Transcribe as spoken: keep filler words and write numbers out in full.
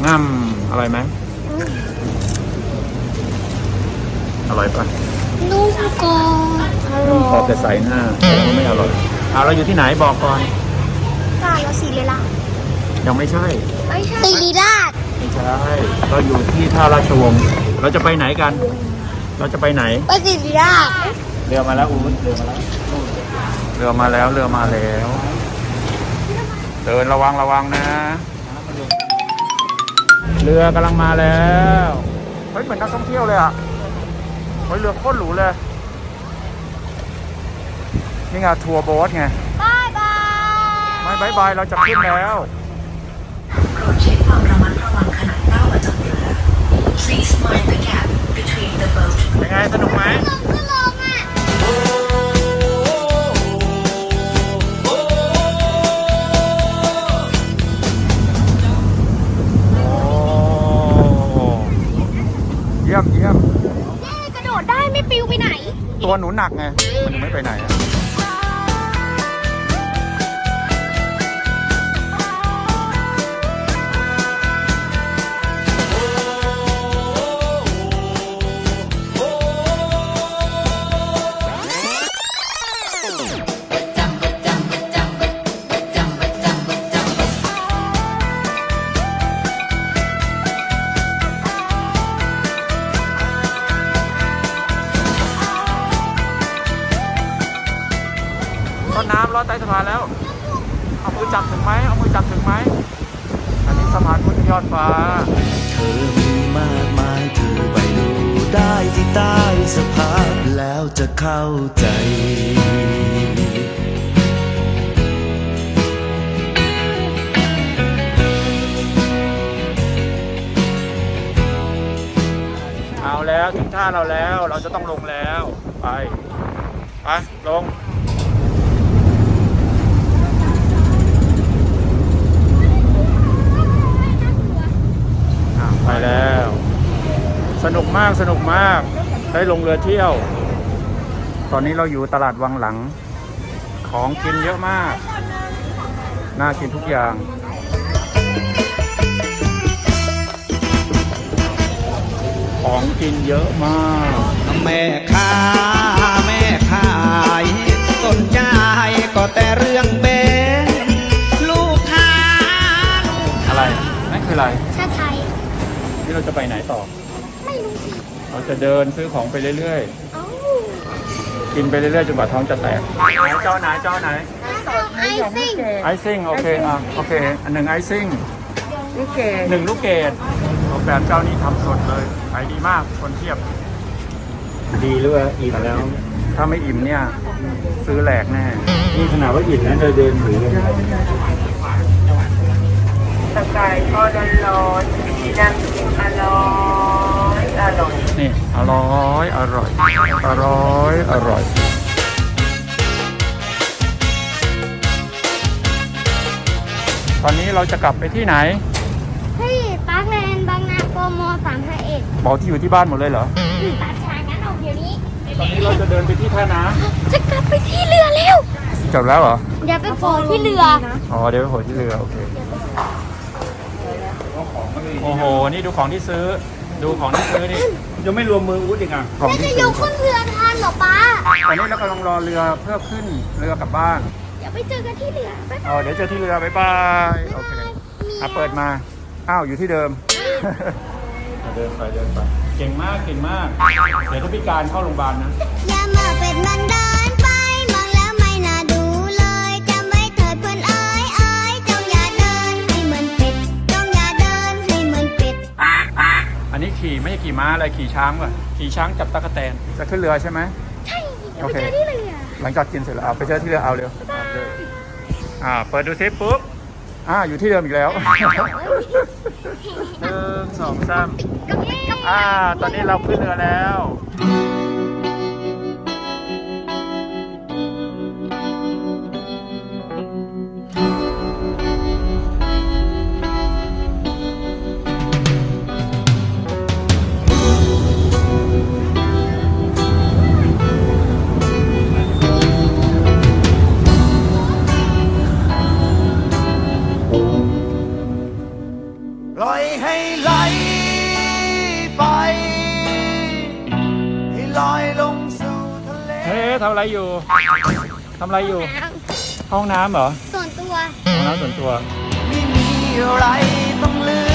ง่ำอร่อยไหมอร่อยปะนุ่มกรอบนุ่มขอบแต่ใส่หน้าไม่อร่อยเอาเราอยู่ที่ไหนบอกก่อนกาลสีเลล่ะยังไม่ใช่ไม่ใช่สีลีราชไม่ใช่เราอยู่ที่ท่าราชวงศ์เราจะไปไหนกัน เราจะไปไหนไปสีลีราชเรือมาแล้วอู๊ดเรือมาแล้วเรือมาแล้วเรือมาแล้วเดินระวังระวังนะเรือกำลังมาแล้วเฮ้ยเหมือนนักท่องเที่ยวเลยอ่ะเฮ้ยเรือโคตรหรูเลยนี่ไงทัวร์โบ๊ทไงบายบายไม่บายบายเราจะขึ้นแล้วโปรดใช้ความระมัดระวังขณะก้าวออกจากเรือ Please mind the gap between the boat ยังไงสนุกไหมขึ้นลงอ่ะเยี่ยมเยี่ยมกระโดดได้ไม่ปิวไปไหนตัวหนูหนักไงมันไม่ไปไหนอะต้นน้ำลอดใต้สะพานแล้วเอามือจับถึงไหมเอามือจับถึงไหมอันนี้สะพานพุทธยอดฟ้าเธอมีมากมายเธอไปดูได้ที่ใต้สะพานแล้วจะเข้าใจเอาแล้วถึงท่าเราแล้วเราจะต้องลงแล้วไปไปลงไปแล้วสนุกมากสนุกมากได้ลงเรือเที่ยวตอนนี้เราอยู่ตลาดวังหลังของกินเยอะมากน่ากินทุกอย่างของกินเยอะมากแม่ค้าแม่ขายสนใจก็แต่เรื่องเบนลูกค้าอะไรนั่นคืออะไรชาไทยนี่เราจะไปไหนต่อไม่รู้สิเราจะเดินซื้อของไปเรื่อยๆกินไปเรื่อยๆจนกว่าท้องจะแตกไหนเจ้าไหนเจ้าไหนไอซิ่งไอซิ่งโอเคอ่ะโอเคอันหนึ่งไอซิ่งลูกเกดหนึ่งลูกเกดออกแบบเจ้านี้ทำสดเลยขายดีมากคนเทียบดีหรือว่าอิ่มแล้วถ้าไม่อิ่มเนี่ยซื้อแหลกแน่นี่ขนาดว่าอิ่มนะเดินเดินถือเลยสกายทอดร้อนๆที่นั่งกินอร่อยอร่อยนี่อร่อยอร่อยอร่อยอร่อยตอนนี้เราจะกลับไปที่ไหนเฮ้ยปาร์คแลนด์บางนาโปรโมสามห้าเอ็ดบอกที่อยู่ที่บ้านหมดเลยเหรอตัดฉากงั้นออกเดี๋ยวนี้ตอนนี้เราจะเดินไปที่ท่าน้ำจะกลับไปที่เรือแล้วจบแล้วเหรอเดี๋ยวไปโผล่ที่เรืออ๋อเดี๋ยวไปโผล่ที่เรือโอเคโอ้โหนี่ดูของที่ซื้อดูของที่ซื้อนี่ยังไม่รวมมืออุ้ดอีกอ่ะของที่ซื้อจะยกขึ้นเรือทันหรอป้าตอนนี้เรากำลังรอเรือเพื่อขึ้นเรือกลับบ้านเดี๋ยวไปเจอกันที่เรืออ๋อเดี๋ยวเจอที่เรือบ๊ายบายโอเคอ่ะเปิดมาอ้าวอยู่ที่เดิมเดินไปเดินไปเก่งมากเก่งมากเดี๋ยวถ้าพิการเข้าโรงพยาบาลนะอย่ามาเป็ดมันเดินไปมองแล้วไม่น่าดูเลยจำไว้เถิดเพื่อนเอ้ยเอ้ยจงอย่าเดินให้เหมือนเป็ดจงอย่าเดินให้เหมือนเป็ดอันนี้ขี่ไม่ใช่ขี่ม้าอะไรขี่ช้างป่ะขี่ช้างจับตะกั่วแตนจะขึ้นเรือใช่ไหมใช่เดี๋ยวไปเจอที่เรือหลังจากกินเสร็จแล้วเอาไปเจอที่เรือเอาเร็วอ่าเปิดดูซิปุ๊บอ่าอยู่ที่เดิมอีกแล้วหนึ่งสองสามอ่าตอนนี้เราขึ้นเรือแล้วร้อยให้ไหลไป ให้ลอยลงสู่ทะเลเฮ้ทำอะไรอยู่ทำอะไรอยู่ ห้องน้ำเหรอส่วนตัวห้องน้ำส่วนตัวไม่มีอะไรต้องเหลือ